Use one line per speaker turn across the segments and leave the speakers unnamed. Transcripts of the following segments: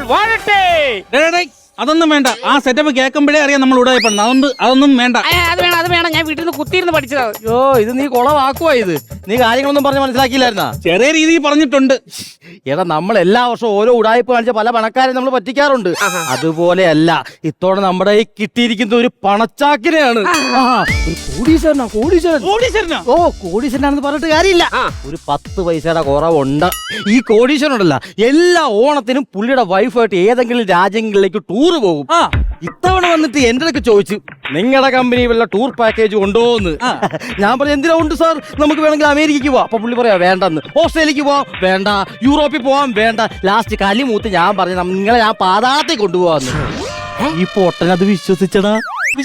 വാഴട്ടെ.
അതൊന്നും വേണ്ട. ആ സെറ്റപ്പ് കേൾക്കുമ്പോഴേ അറിയാം നമ്മൾ ഉടായിപ്പണം. അതൊന്നും വേണ്ട.
അത് വേണം. ഞാൻ വീട്ടിൽ നിന്ന് കുത്തിയിരുന്ന് പഠിച്ചതാണ്.
അയ്യോ, ഇത് നീ കുളവാക്കുവാ. ഇത് നീ കാര്യങ്ങളൊന്നും പറഞ്ഞ് മനസ്സിലാക്കിയില്ലായിരുന്നാ?
ചെറിയ രീതിയിൽ പറഞ്ഞിട്ടുണ്ട്.
എടാ, നമ്മൾ എല്ലാ വർഷവും ഓരോ ഉടായ്പ കാണിച്ച പല പണക്കാരെ നമ്മൾ പറ്റിക്കാറുണ്ട്. അതുപോലെയല്ല ഇത്തോടെ നമ്മുടെ ഈ കിട്ടിയിരിക്കുന്ന ഒരു പണച്ചാക്കിനെയാണ്. കോടീശ്വരനാ. ഓ, കോടീശ്വരനാണെന്ന് പറഞ്ഞിട്ട് കാര്യമില്ല. ഒരു 10 പൈസയുടെ കുറവുണ്ട്. ഈ കോടീശ്വരനുണ്ടല്ല, എല്ലാ ഓണത്തിനും പുള്ളിയുടെ വൈഫായിട്ട് ഏതെങ്കിലും രാജ്യങ്ങളിലേക്ക് ടൂർ പോകും. ഇത്തവണ വന്നിട്ട് എന്റെ അടുത്ത് ചോദിച്ചു, നിങ്ങളുടെ കമ്പനി വല്ല ടൂർ പാക്കേജ് ഉണ്ടോന്ന്. ഞാൻ പറഞ്ഞു, എന്തിനാ ഉണ്ട് സാർ, നമുക്ക് വേണമെങ്കിൽ അമേരിക്കക്ക് പോവാം. അപ്പൊ പുള്ളി പറയാ വേണ്ടെന്ന്. ഓസ്ട്രേലിയക്ക് പോവാം, വേണ്ട. യൂറോപ്പിൽ പോവാൻ, വേണ്ട. ലാസ്റ്റ് കലിമൂത്ത് ഞാൻ പറഞ്ഞു, നിങ്ങളെ ഞാൻ പാതാളത്തിൽ കൊണ്ടുപോവാന്ന്. ഈ പൊട്ടനത് വിശ്വസിച്ചടാ.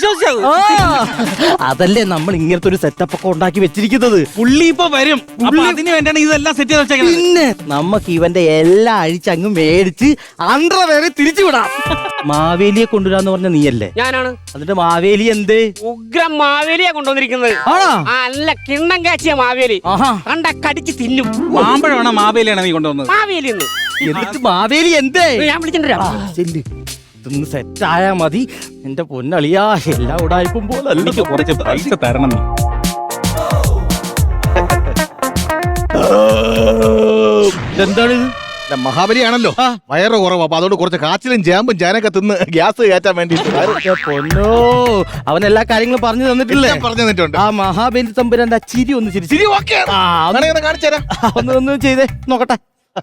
അതല്ലേ നമ്മൾ ഇങ്ങനത്തെ ഒരു സെറ്റപ്പ് ഒക്കെ ഉണ്ടാക്കി വെച്ചിരിക്കുന്നത്.
പുള്ളി ഇപ്പൊ വരും. അതിന് വേണ്ടിയാണ് ഇതെല്ലാം സെറ്റ് ചെയ്ത് വെച്ചേക്കുന്നത്.
പിന്നെ നമുക്ക് ഇവന്റെ എല്ലാം അഴിച്ചങ്ങ് മേടിച്ച് അണ്ടർവെയർ തിരിച്ചു വിടാം. മാവേലിയെ കൊണ്ടുവരാന്ന് പറഞ്ഞ നീയല്ലേ?
ഞാനാണ്.
എന്നിട്ട് മാവേലി എന്തേ?
ഉഗ്രം മാവേലിയാ കൊണ്ടുവന്നിരിക്കുന്നത്. നല്ല കിണ്ണം കാച്ചിയ മാവേലി. കണ്ട കടിച്ച് തിന്നും.
മാമ്പഴമാണോ മാവേലിയാണോ നീ കൊണ്ടുവന്നത്?
മാവേലി.
എന്നിട്ട് മാവേലി എന്തേ?
ഞാൻ വിളിച്ചിട്ടുണ്ട്.
ഇതൊന്ന് സെറ്റായാ മതി. എന്റെ പൊന്നളിയാ, എല്ലാ ഉടായ്പും പോലെ
എനിക്ക് കുറച്ച് പൈസ തരണം.
എന്താണിത്?
മഹാബലിയാണല്ലോ, വയറ് കുറവ്. അപ്പൊ അതുകൊണ്ട് കുറച്ച് കാച്ചിലും ചേമ്പും ചേനൊക്കെ തിന്ന് ഗ്യാസ് കയറ്റാൻ വേണ്ടിട്ട്.
പൊന്നോ, അവൻ എല്ലാ കാര്യങ്ങളും പറഞ്ഞു തന്നിട്ടില്ലേ?
പറഞ്ഞു തന്നിട്ടുണ്ട്.
ആ മഹാബലി തമ്പുരാന്റെ ചിരി ഒന്ന് ചിരി
കാണിച്ചുതരാം.
ഒന്ന് ചെയ്തേ നോക്കട്ടെ.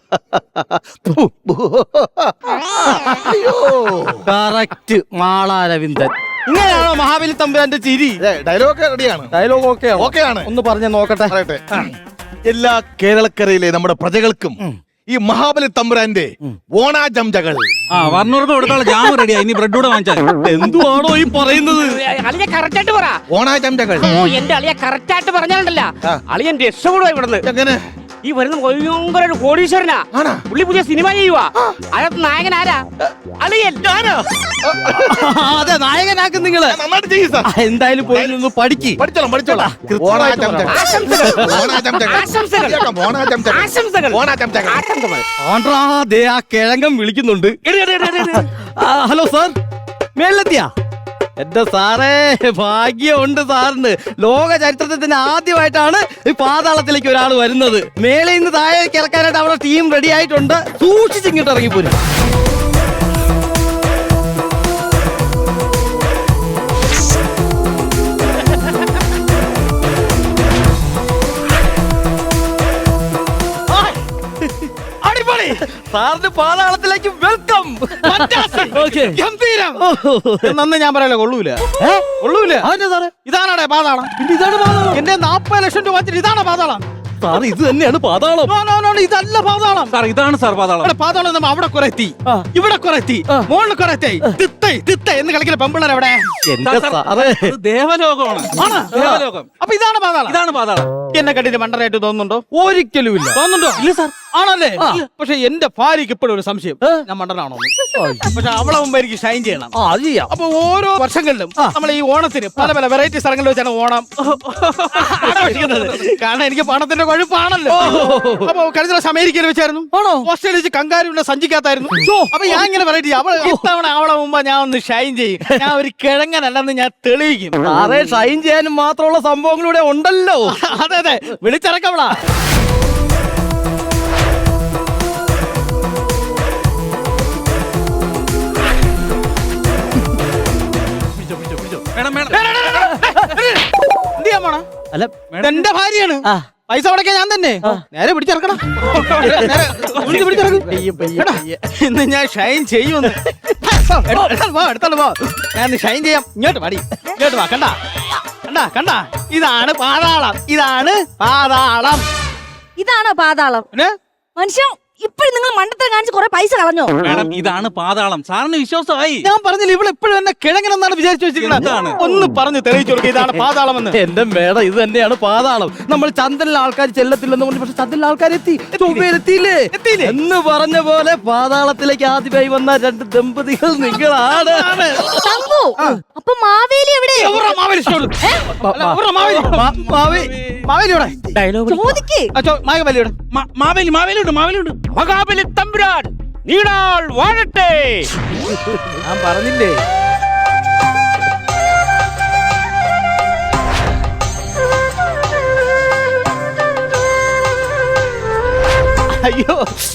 കറക്റ്റ് മാളാരവിന്ദൻ. ഇങ്ങനെയാണോ മഹാബലി തമ്പുരാന്റെ ചിരി?
ഡയലോഗ് റെഡിയാണ്.
ഡയലോഗ്
ഓക്കെയാണ്.
ഒന്ന് പറഞ്ഞ നോക്കട്ടെ.
എല്ലാ കേരളക്കരയിലെ നമ്മുടെ പ്രജകൾക്കും ഈ മഹാബലി തമ്പുരാന്റെ ഓണാചംചകൾ.
വർണ്ണൂർക്ക് കൊടുക്കാനുള്ള ജാം റെഡിയാ. ഇനി ബ്രെഡ് കൂടെ വാങ്ങിച്ചാൽ.
എന്തുവാണോ ഈ പറയുന്നത്?
അളിയെ കറക്റ്റ് ആയിട്ട് പറ.
ഓണാചംചകൾ.
ഓ, എന്റെ അളിയെ കറക്റ്റ് ആയിട്ട് പറഞ്ഞാലല്ല, അളിയൻ രക്ഷപ്പെടുവാ ഇവിടുന്ന്.
എങ്ങനെ?
ഈ വരുന്ന ഭയങ്കര ഒരു കോടീശ്വരനാ. പുള്ളി പുതിയ സിനിമ ചെയ്യുവാ. അതിനകത്ത് നായകൻ ആരാ? അളിയൻ.
അതെ, നായകനാക്കും നിങ്ങള്.
നന്നായിട്ട് ചെയ്യും സാർ.
എന്തായാലും പോയി ഒന്ന് പഠിച്ചോളാം. ആ കിഴങ്ങം വിളിക്കുന്നുണ്ട്. ഹലോ സാർ, മേളിലെത്തിയാ? എന്റെ സാറേ, ഭാഗ്യമുണ്ട് സാറിന്. ലോക ചരിത്രത്തിൽ തന്നെ ആദ്യമായിട്ടാണ് ഈ പാതാളത്തിലേക്ക് ഒരാൾ വരുന്നത്. മേളിൽ നിന്ന് താഴെ കിടക്കാനായിട്ട് അവിടെ ടീം റെഡി ആയിട്ടുണ്ട്. സൂക്ഷിച്ചിങ്ങോട്ട് ഇറങ്ങിപ്പോരും. സാറിന് പാതാളത്തിലേക്ക് വെൽക്കം.
നന്ന് ഞാൻ പറയല്ലോ, കൊള്ളൂല.
അതിന്റെ സാറേ,
ഇതാണേ പാതാളം.
ഇതാണ് പാതാളം.
എന്റെ 40 ലക്ഷം രൂപ വെച്ചിട്ട് ഇതാണ് പാതാളം.
സാർ, ഇത് തന്നെയാണ് പാതാളം.
ഇതല്ല പാതാളം.
സാർ, ഇതാണ് സാർ പാതാളം.
പാതാളം നമ്മൾ അവിടെ കുറെ എത്തി, ഇവിടെ കുറെ എത്തി, മുകളിൽ കുറെ എത്തി. തിത്ത എന്ന് കളിക്കുന്ന പെമ്പിള്ളേർ എവിടെ?
എന്റെ സാറേ,
ദേവലോകമാണ്. ദേവലോകം.
അപ്പൊ ഇതാണ് പാതാളം.
ഇതാണ് പാതാളം.
എന്നെ കണ്ടിട്ട് മണ്ടനായിട്ട് തോന്നുന്നുണ്ടോ?
ഒരിക്കലും ഇല്ല.
തോന്നുന്നുണ്ടോ?
ഇല്ല സാർ.
ആണല്ലേ? പക്ഷെ എന്റെ ഭാര്യക്ക് ഇപ്പോഴും ഒരു സംശയം, ഞാൻ മണ്ടനാണോ? പക്ഷെ അവളെ മുമ്പ് എനിക്ക് ഷൈൻ ചെയ്യണം.
അത് ചെയ്യാം.
അപ്പൊ ഓരോ വർഷങ്ങളിലും നമ്മൾ ഈ ഓണത്തിന് പല പല വെറൈറ്റി സ്ഥലങ്ങളിൽ വെച്ചാണ് ഓണം ആഘോഷിക്കുന്നത്. കാരണം എനിക്ക് പണത്തിന്റെ കൊഴുപ്പാണല്ലോ. അപ്പൊ കഴിഞ്ഞ പ്രാവശ്യം അമേരിക്കയിൽ വെച്ചായിരുന്നു, ഓസ്ട്രേലിയ വെച്ച് കങ്കാരുവിന്റെ സഞ്ചിക്കാത്തായിരുന്നു. അപ്പൊ ഞാൻ ഇങ്ങനെ വെറൈറ്റി ഇത്തവണ അവളെ മുമ്പ് ഞാൻ ഒന്ന് ഷൈൻ ചെയ്യും. ഞാൻ ഒരു കിഴങ്ങനല്ലെന്ന് ഞാൻ തെളിയിക്കും.
സാറേ, ഷൈൻ ചെയ്യാനും മാത്രമുള്ള സംഭവങ്ങളിവിടെ ഉണ്ടല്ലോ.
അതെ അതെ, വിളിച്ചിറക്കവളാ.
അല്ല,
എന്റെ ഭാര്യയാണ്. പൈസ അടയ്ക്കാൻ ഞാൻ തന്നെ. നേരെ പിടിച്ചിറക്കണം. ഇന്ന് ഞാൻ ഷൈൻ ചെയ്യുമെന്ന്. എടുത്തോണ്ട് പോ. ഞാൻ ഷൈൻ ചെയ്യാം. ഇങ്ങോട്ട് പാടി, ഇങ്ങോട്ട് വാ. കണ്ട ഇതാണ് പാതാളം. ഇതാണ് പാതാളം.
ഇതാണോ പാതാളം? മനുഷ്യ, ഇപ്പോഴും നിങ്ങൾ മണ്ടത്തരം കാണിച്ച് കുറെ പൈസ കളഞ്ഞോ?
മാഡം, ഇതാണ് പാതാളം. സാറിന് വിശ്വാസമായി.
ഞാൻ പറഞ്ഞില്ല, ഇവിടെ എപ്പോഴും എന്നെ കിഴങ്ങനെന്നാണ് വിചാരിച്ചു വെച്ചിരിക്കുന്നത്. ഒന്ന് പറഞ്ഞു തെളിയിച്ചു കൊടുക്കുക, ഇതാണ് പാതാളം എന്ന്.
എന്റെ മേഡം, ഇത് തന്നെയാണ് പാതാളം. നമ്മൾ ചന്ദ്രനിലെ ആൾക്കാർ ചെല്ലത്തില്ലെന്ന് പറഞ്ഞു, പക്ഷെ ചന്ദ്രനിലെ ആൾക്കാർ എത്തിയില്ലേ എന്ന് പറഞ്ഞ പോലെ പാതാളത്തിലേക്ക് ആദ്യമായി വന്ന 2 ദമ്പതികൾ നിങ്ങളാണ്.
അപ്പൊ മാവേലി എവിടെ?
മഹാബലി തമ്പുരാൻ, നീടാൾ വാഴട്ടെ.
ഞാൻ പറഞ്ഞില്ലേ അയ്യോ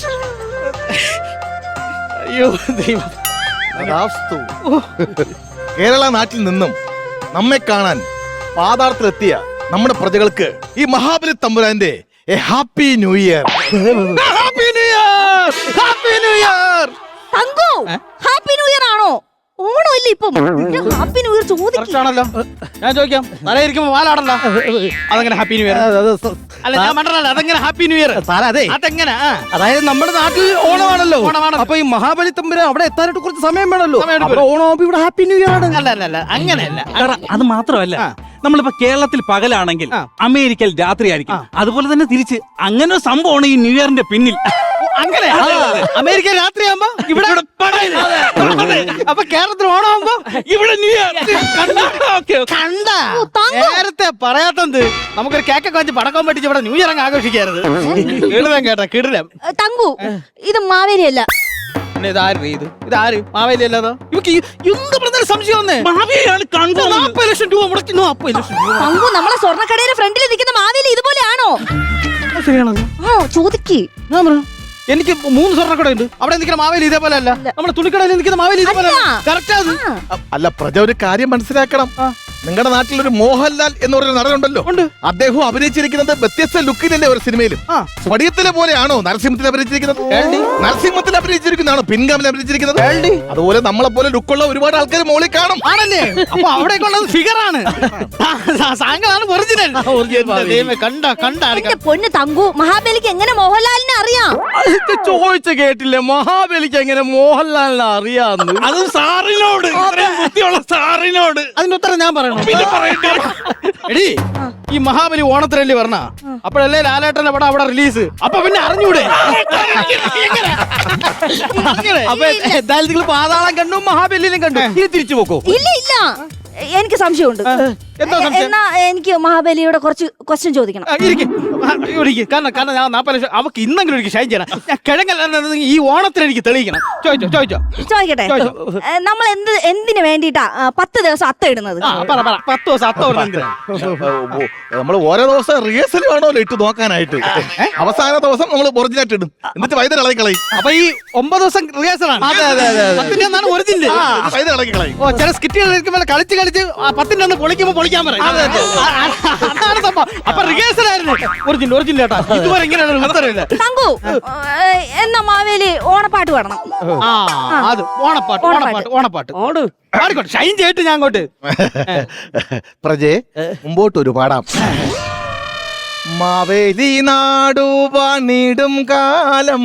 അയ്യോ ദൈവം.
തഥാസ്തു. കേരള നാട്ടിൽ നിന്നും നമ്മെ കാണാൻ പാതാളത്തിലെത്തിയ നമ്മുടെ പ്രജകൾക്ക് ഈ മഹാബലി തമ്പുരാന്റെ happy new year.
Happy new year, happy new year.
Thank you happy new year ആണോ? ഓണം ഇല്ല ഇപ്പം. ഹാപ്പി ന്യൂ ഇയർ ചോദിക്കും.
ആണല്ലോ. ഞാൻ ചോദിക്കാം, തലയിരിക്കുമ്പോ വാലാടണ്ട, അതെങ്ങനെ ഹാപ്പി ന്യൂ ഇയർ? അല്ല ഞാൻ മണ്ടല്ല, അതെങ്ങനെ ഹാപ്പി ന്യൂ ഇയർ?
സാറേ അതെ,
അതെങ്ങനെ?
അതായത് നമ്മുടെ നാട്ടിൽ ഓണമാണല്ലോ. അപ്പൊ ഈ മഹാബലി തമ്പുരാൻ അവിടെ എത്താനായിട്ട് കുറച്ച് സമയം വേണമല്ലോ. അവിടെ ഓണമാകുമ്പോ ഇവിടെ ഹാപ്പി ന്യൂ ഇയർ ആണ്.
അല്ല അല്ല അല്ല അങ്ങനെയല്ല.
എടാ, അത് മാത്രമല്ല, നമ്മളിപ്പോ കേരളത്തിൽ പകലാണെങ്കിൽ അമേരിക്കയിൽ രാത്രിയായിരിക്കും. അതുപോലെ തന്നെ തിരിച്ച് അങ്ങനെ ഒരു സംഭവമാണ് ഈ ന്യൂ ഇയറിന്റെ പിന്നിൽ.
അങ്ങനെ അമേരിക്ക രാത്രിയാകുമ്പോ ഇവിടെ പകൽ. അപ്പൊ കേരളത്തിൽ ഓണമാകുമ്പോ ഇവിടെ ന്യൂ ഇയർ. കണ്ട നേരത്തെ പറയാത്തത് നമുക്കൊരു കേക്കൊക്കെ വെച്ച് പടക്കം പറ്റിച്ച് ഇവിടെ ന്യൂ ഇയർ അങ്ങ് ആഘോഷിക്കരുത്. കിടിലം കേട്ടാ, കിടിലം.
തങ്കു ഇത് മാവേലി അല്ല.
ഇതാര് മാവേലി അല്ലാതോ? ഇവക്ക് എന്ത് പറഞ്ഞാലും സംശയം വന്നേ. 40 ലക്ഷം രൂപ മുടക്കി. 40 ലക്ഷം രൂപ.
തങ്കു നമ്മളെ സ്വർണ്ണക്കടയിലെ ഫ്രണ്ടിൽ നിൽക്കുന്ന മാവേലി ഇതുപോലെയാണോ?
ശരിയാണോ?
ചോദിക്ക്.
എനിക്ക് 3 സ്വർണ്ണക്കട ഉണ്ട്. അവിടെ നിൽക്കുന്ന മാവേലി ഇതേപോലെ അല്ല. നമ്മുടെ തുണിക്കടയിൽ നിൽക്കുന്ന മാവേലി ഇതേപോലെ കറക്റ്റ് അത്.
അല്ല പ്രജ, ഒരു കാര്യം മനസ്സിലാക്കണം. നിങ്ങളുടെ നാട്ടിൽ ഒരു മോഹൻലാൽ എന്ന് പറയുന്ന നടനുണ്ടല്ലോ, അദ്ദേഹം അഭിനയിച്ചിരിക്കുന്നത് വ്യത്യസ്ത ലുക്കിലല്ലേ ഒരു സിനിമയിലും. സ്വടിയത്തിലെ പോലെയാണോ നരസിംഹത്തിൽ അഭിനയിച്ചിരിക്കുന്നത്? നരസിംഹത്തിൽ അഭിനയിച്ചിരിക്കുന്നതാണോ പിൻഗാമിൽ അഭിനയിച്ചിരിക്കുന്നത്? അതുപോലെ നമ്മളെ പോലെ ലുക്കുള്ള ഒരുപാട് ആൾക്കാർ മോളിൽ കാണും.
ആണല്ലേ? അപ്പൊ അവിടേക്ക് ഉള്ളത് ഫിഗറാണ്, സാങ്കളാണ് ഒറിജിനൽ. കണ്ട കണ്ട
എന്റെ പൊന്ന് തങ്കു, മഹാബലിക്ക് എങ്ങനെ മോഹൻലാലിനെ അറിയാം?
ചോദിച്ച കേട്ടില്ലേ, മഹാബലിക്ക് എങ്ങനെ മോഹൻലാലിനെ അറിയാന്ന്?
അതും സാറിനോട്, ഇത്രയും ബുദ്ധിയുള്ള സാറിനോട്.
അതിന്റെ ഉത്തരം ഞാൻ പറയണം.
പിന്നെ പറയട്ടെ.
എടി, ഈ മഹാബലി ഓണത്തിനല്ലേ പറഞ്ഞ, അപ്പോഴല്ലേ ലാലേട്ടന്റെ പടം അവിടെ റിലീസ്. അപ്പൊ പിന്നെ അറിഞ്ഞൂടെ?
അപ്പൊ എന്തായാലും നിങ്ങൾ പാതാളം കണ്ടു, മഹാബലിനെ കണ്ടു, ഇനി തിരിച്ചു പോക്കോ?
ഇല്ല ഇല്ല, എനിക്ക് സംശയമുണ്ട്.
എന്താ സംശയം?
എന്നാ എനിക്ക് മഹാബലിയോട് കുറച്ച് ക്വസ്റ്റ്യൻ ചോദിക്കണം.
കാരണം ഞാൻ 40 ലക്ഷം അവക്ക് ഇന്നെങ്കിലും എനിക്ക് ഷൈൻ ചെയ്യണം. ഞാൻ കിഴങ്ങല്ല, ഈ ഓണത്തിന് എനിക്ക് തെളിയിക്കണം. ചോദിച്ചോ.
ചോദിക്കട്ടെ, നമ്മൾ എന്തിനു വേണ്ടിട്ടാ 10 ദിവസം അത്ത ഇടുന്നത്?
10 ദിവസം അത്ത
നമ്മൾ ഓരോ ദിവസം റിഹേഴ്സൽ വേണമല്ലോ ഇട്ട് നോക്കാനായിട്ട്. അവസാന ദിവസം നമ്മൾ ഒറിജിനായിട്ട് ഇടും, എന്നിട്ട് വൈദ്യുതി ഇളകി കളയും.
അപ്പൊ ഈ 9 ദിവസം റിഹേഴ്സലാണ്. ഒറിജിനൽ
വൈദ്യുതി ഇളകി കളയും.
ഓ, ചില സ്കിറ്റുകൾ കളിച്ച് 10ന്റെ അന്ന് പൊളിക്കുമ്പോ പൊളിക്കാൻ പറയും. അതാണ് സംഭവം. അപ്പൊ റിഹേഴ്സൽ ആയിരുന്നു ഒറിജിനൽ കേട്ടോ. ഇതുവരെ ഇങ്ങനെയാണ് ഉത്തരവില്ല.
തങ്കു, എന്നാ മാവേലി ഓണപ്പാട്ട് പാടണം.
അത് ഓണപ്പാട്ട് പാടിക്കോട്ടെ. ഷൈൻ ചെയ്തിട്ട് ഞാൻ അങ്ങോട്ട്.
പ്രജേ, മുമ്പോട്ടൊരു പാടാം. മാവേലി നാടു പണിടും കാലം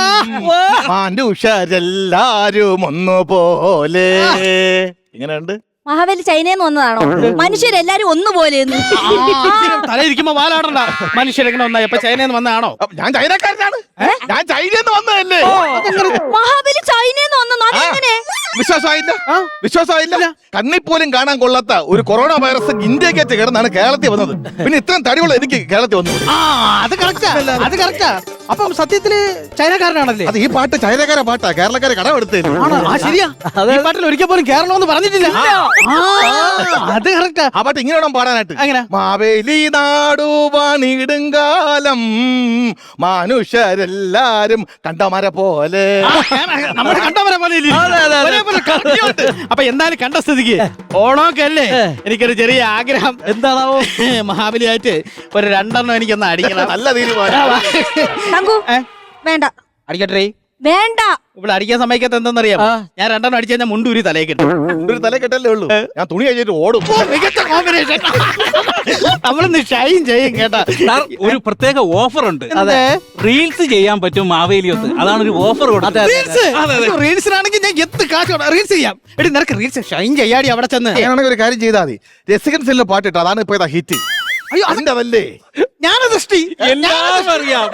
മനുഷ്യരെല്ലാരും ഒന്നുപോലെ. ഇങ്ങനെയുണ്ട്.
മഹാബലി ചൈനയിൽ നിന്ന് വന്നതാണോ? മനുഷ്യരെല്ലാരും ഒന്നുപോലെ.
തലയിരിക്കുമ്പോ വാലാടണ്ട. മനുഷ്യരെങ്ങനെ ഒന്നായി? അപ്പൊ ചൈനയിൽ നിന്ന് വന്നതാണോ?
ഞാൻ ചൈനക്കാരനാണ്. ഞാൻ ചൈനയിൽ നിന്ന് വന്നതല്ലേ.
മഹാബലി ചൈനയിൽ നിന്ന് വന്നോ? അതെങ്ങനെ?
വിശ്വാസമായില്ല. കണ്ണിൽ പോലും കാണാൻ കൊള്ളാത്ത ഒരു കൊറോണ വൈറസ് ഇന്ത്യക്കകത്ത് കിടന്നാണ് കേരളത്തിൽ വന്നത്. പിന്നെ ഇത്രയും തടിയുള്ള എനിക്ക് കേരളത്തിൽ വന്നു.
അത് കറക്റ്റാ. അപ്പം സത്യത്തില് ചൈനക്കാരനാണല്ലേ?
അത് ഈ പാട്ട് ചൈനക്കാരെ പാട്ടാ, കേരളക്കാരെ കടമെടുത്തേ.
ശരിയാ. ഈ പാട്ടിൽ ഒരിക്കൽ പോലും കേരളമെന്ന് പറഞ്ഞിട്ടില്ല. അത് കറക്റ്റാ.
ആ പാട്ട് ഇങ്ങനെ വേണം പാടാനായിട്ട്.
എങ്ങനെ?
മാവേലി നാടു പണിടുങ്കാലം മനുഷ്യരെല്ലാരും കണ്ടമര പോലെ.
നമ്മുടെ കണ്ടമര പോലെ. അപ്പൊ എന്തായാലും കണ്ട സ്ഥിതിക്ക് ഓണമൊക്കെ അല്ലേ, എനിക്കൊരു ചെറിയ ആഗ്രഹം.
എന്താണാവോ?
മഹാബലിയായിട്ട് ഒരു 2 എനിക്കൊന്ന് അടിക്കണം.
നല്ല തീരുമാനം.
തങ്കു, വേണ്ട.
അടിക്കട്ടെ?
വേണ്ട.
ഇവിടെ അടിക്കാൻ സമയത്ത് എന്തെന്നറിയാം, ഞാൻ 2 അടിച്ചു കഴിഞ്ഞാൽ മുണ്ടൂരി തലയിൽ കിട്ടും.
ഒരു തല കെട്ടല്ലേ ഉള്ളൂ. ഞാൻ തുണി കഴിഞ്ഞിട്ട് ഓടും.
മികച്ച കോമ്പിനേഷൻ. നമ്മളിന്ന് ഷൈൻ ചെയ്യും കേട്ടാ.
ഒരു പ്രത്യേക ഓഫർ ഉണ്ട്.
അതെ,
റീൽസ് ചെയ്യാൻ പറ്റും മാവേലിയൊത്ത്. അതാണ് ഒരു ഓഫർ കൊടുത്തത്.
റീൽസിനാണെങ്കിൽ ഞാൻ എത്ത് കാശ് റീൽസ് ചെയ്യാം. എടി, നിനക്ക് റീൽസ് ഷൈൻ ചെയ്യാടി അവിടെ ചെന്ന്.
ഞാനാണെങ്കിൽ ഒരു കാര്യം ചെയ്താൽ മതി. രസികൻ സെല്ലിൽ പാട്ടിട്ട് അതാണ് ഇപ്പൊ ഇതാ ഹിറ്റ്.
അയ്യോ,
അതിന്റെ അതല്ലേ
ഞാനത് ദൃഷ്ടി.
എല്ലാം അറിയാം.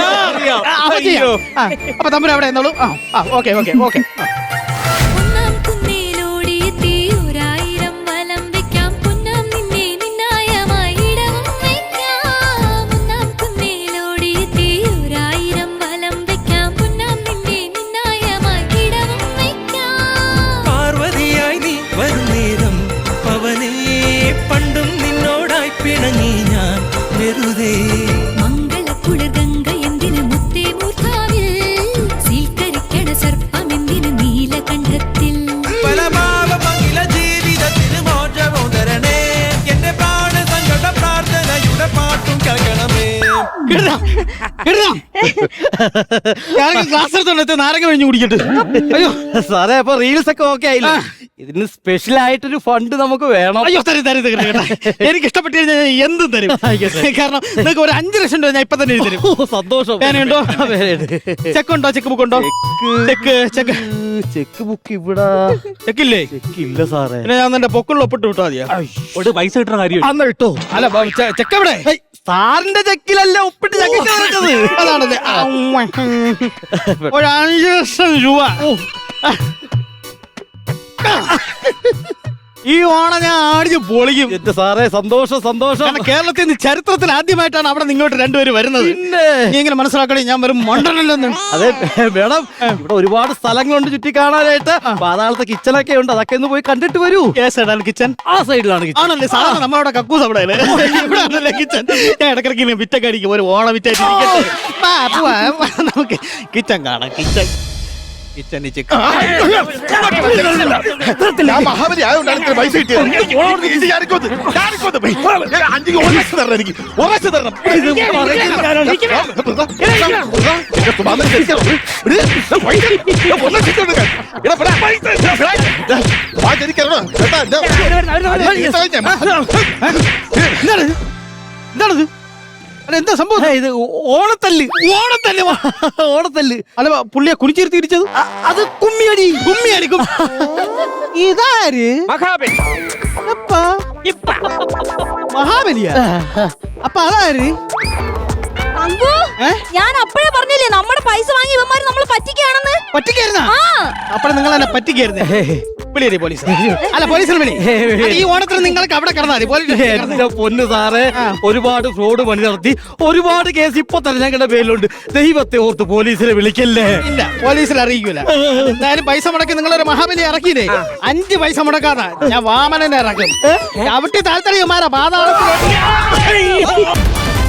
അപ്പൊ തമ്മിൽ അവിടെ എന്നോളൂ. ഓക്കെ.
പിണങ്ങി ഞാൻ വെറുതെ
മംഗളക്കുളിർഗംഗ എന്തിന് മുത്തേ മൂർധാവിൽ സീൽക്കരിക്കണ സർപ്പം എന്തിന് നീലകണ്ഠത്തിൽ
പല ഭാവമംഗില ജീവിതത്തിന് മോചവും തരണേ എന്റെ പ്രാണ സങ്കട പ്രാർത്ഥനയുടെ പാട്ടും കേൾക്കണമേ
ക്ലാസ് എടുത്തോണ്ട് നാരങ്ങ കഴിഞ്ഞ് കുടിക്കട്ടെ. അയ്യോ
സാറേ അപ്പൊ റീൽസ് ഒക്കെ ഓക്കെ ആയില്ലേ? ഇതിന് സ്പെഷ്യൽ ആയിട്ടൊരു ഫണ്ട് നമുക്ക് വേണം.
അയ്യോ തരും തരും തരും കേട്ടോ. എനിക്ക് ഇഷ്ടപ്പെട്ട് കഴിഞ്ഞാൽ ഞാൻ എന്തും തരും. കാരണം നിങ്ങൾക്ക് ഒരു 5 ലക്ഷം രൂപ ഞാൻ ഇപ്പൊ തന്നെ എഴുതി തരും.
സന്തോഷം.
പേനയുണ്ടോ? ചെക്ക് ഉണ്ടോ? ചെക്ക് ബുക്ക് ഉണ്ടോ? ചെക്ക് ചെക്ക്
ചെക്ക് ബുക്ക് ഇവിടെ
ചെക്കില്ലേ?
ചെക്ക് ഇല്ല സാറേ.
പിന്നെ ഞാൻ എന്റെ പൊക്കുള്ള ഒപ്പിട്ട് വിട്ടാ മതിയാ?
ഒരു പൈസ കിട്ടുന്ന കാര്യം
അന്ന് ഇട്ടോ. അല്ല ചെക്ക് എവിടെ?
സാറിന്റെ ചെക്കിലല്ല ഒപ്പിട്ട് ചെക്ക്
അതാണല്ലേ. ഒരു 5 ലക്ഷം രൂപ. ഈ ഓണം ഞാൻ ആടിച്ച് പൊളിക്കും.
എന്റെ സാറേ സന്തോഷം സന്തോഷം.
കാരണം കേരളത്തിൽ നിന്ന് ചരിത്രത്തിൽ ആദ്യമായിട്ടാണ് അവിടെ നിങ്ങോട്ട് രണ്ടുപേരും വരുന്നത്. നീ എങ്ങനെ മനസ്സിലാക്കണേ ഞാൻ വെറും മണ്ടനല്ലെന്ന്?
അതെ മേഡം, ഇവിടെ ഒരുപാട് സ്ഥലങ്ങളുണ്ട് ചുറ്റി കാണാനായിട്ട്. പാതാളത്തെ കിച്ചണൊക്കെ ഉണ്ട്, അതൊക്കെ ഒന്ന് പോയി കണ്ടിട്ട് വരൂ.
കിച്ചൺ
ആ സൈഡിലാണ് കിച്ചൺ.
ആണല്ലേ? സാധാരണ നമ്മളവിടെ കക്കൂസ് അവിടെ ഇവിടെയാണല്ലേ കിച്ചൺ. ഞാൻ ഇടക്കിടക്ക് വിറ്റൊക്കെ അടിക്കും. ഒരു ഓണം വിറ്റായിട്ട് നമുക്ക് കിച്ചൺ കാണാം. കിച്ചൺ കിച്ചൺ
ഞാൻ മഹാബലി ആയതുകൊണ്ടാണ് ഇത്ര പൈസ കിട്ടിയത്. എനിക്ക് 1 ലക്ഷം തരണം. എനിക്ക് 1 ലക്ഷം തരണം.
എന്താണത്? അല്ല എന്താ സംഭവം?
ഇത് ഓണത്തല്ല്.
ഓണത്തല്ല്
ഓണത്തല്ല്.
അല്ല പുള്ളിയെ കുനിച്ചിരുത്തി ഇരിച്ചത്
അത് കുമ്മിയടി.
കുമ്മിയടി.
ഇതാര്?
മഹാബലി.
മഹാബലിയാ? അപ്പൊ അതാര്?
ഞാൻ അപ്പഴേ പറഞ്ഞില്ലേ നമ്മുടെ പൈസ വാങ്ങി ഇവന്മാര് നമ്മള് പറ്റിക്കാണെന്ന്.
പറ്റിക്കായിരുന്ന? അപ്പോൾ നിങ്ങൾ എന്നെ പറ്റിക്കായിരുന്നേ. വിളിയേ പോലീസ്. അല്ല പോലീസിന് വിളി. ഈ ഓണത്തിന് നിങ്ങൾക്ക് അവിടെ കിടന്നാൽ മതി.
എന്റെ പൊന്ന് സാറേ, ഒരുപാട് ഫ്രോഡ് പണി നടത്തി ഒരുപാട് കേസ് ഇപ്പൊ തന്നെ ഞങ്ങളുടെ പേരിലുണ്ട്. ദൈവത്തെ ഓർത്ത് പോലീസിനെ വിളിക്കല്ലേ.
ഇല്ല, പോലീസിൽ അറിയിക്കൂല. എന്തായാലും പൈസ മുടക്കി നിങ്ങളൊരു മഹാബലി ഇറക്കിയില്ലേ? 5 പൈസ മുടക്കാതാ ഞാൻ വാമനനെ ഇറക്കും. ചവിട്ടി താല്പര്യമാരാ പാതാളത്തിലോട്ട്.